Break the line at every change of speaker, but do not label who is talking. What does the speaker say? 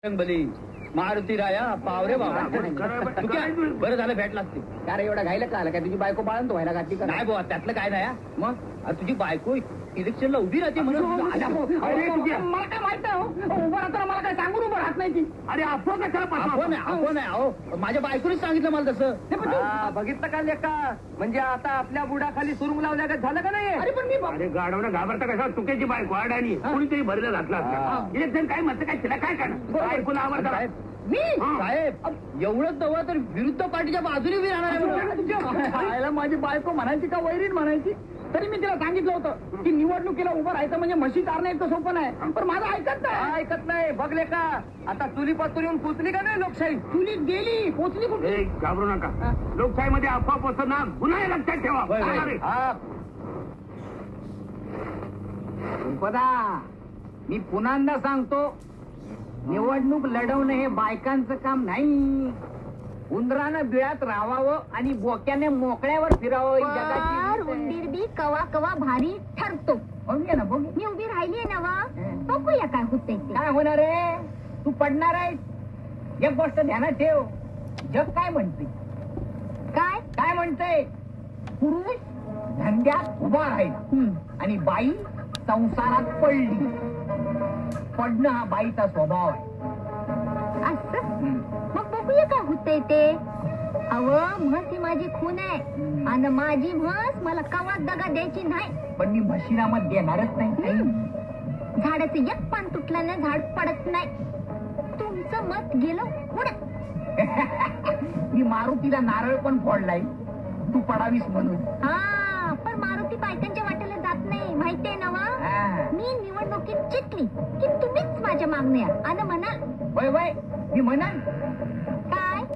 बली मारुती राया पावरे बाबा तू काय बरं झालं भेटलास ते.
अरे एवढा घायला का आला काय तुझी बायको बाळंत तो व्हायला घातली का
नाही बुवा त्यातलं काय नाही हा. मग अरे तुझी बायको इलेक्शनला उभी राहते म्हणून
अरे मला काय माहित नाही उभं राहताना मला काय सांगून उभं राहत नाही ती.
अरे आपण आहे अहो माझ्या बायकोनेच सांगितलं मला तसं.
बघितलं का लेका म्हणजे आता आपल्या बुडाखाली सुरुंग लावल्या का झालं का नाही. अरे पण मी
अरे गाडवणं घाबरता कसा चुकीची बायको अडाणी कोणीतरी भरलं घातला इलेक्शन काय म्हणतं काय तिला काय करणार बायकोला आवडतं
मी साहेब एवढंच दवा तर विरुद्ध पार्टीच्या बाजूने उभी राहणार आहे.
माझी बायको म्हणायची का वैरीण म्हणायची तरी मी तिला सांगितलं होतं की निवडणुकीला उभं राहायचं म्हणजे म्हशी चारणं इतकं सोपं नाही. पण माझं ऐकत नाही बघले का आता चुलीपासून येऊन पोचली का नाही लोकशाही. चुलीत गेली पोचली कुठे.
घाबरू नका लोकशाहीमध्ये अफवा पसरणार गुन्हा लक्षात ठेवा.
मी पुन्हा सांगतो निवडणूक लढवणं हे बायकांचं काम नाही. उंदरानं बिळात राहावं आणि बोक्याने मोकळ्यावर फिरावं.
उंदीर बी कवा कवा भारी ठरतो.
बघूया ना बघ
मी उभी राहिलीये ना वा बघूया काय होतंय ते.
काय होणार आहे तू पडणार आहे. एक गोष्ट ध्यानात ठेव जग काय म्हणते
काय
काय म्हणतंय पुरुष धंद्यात उभा राहिला आणि बाई संसारात पडली. पडणं हा बाईचा स्वभाव आहे.
असं मग बघूया काय होतंय ते. अव म्हस ही माझी खून आहे आणि माझी म्हस मला कवा दगा द्यायची नाही.
पण मी म्हशीला मत देणारच नाही.
झाडाचं एक पान तुटलं ना झाड पडत नाही. तुमचं मत गेलं उडत.
मी मारुतीला नारळ पण फोडलाय तू पडावीस म्हणून.
हा पण मारुती बायकांच्या वाटेला जात नाही माहितीये ना वा. मी निवडणुकीत जिंकली की तुम्हीच माझ्या मागण्या आणि म्हणाल
वय वय मी म्हणाल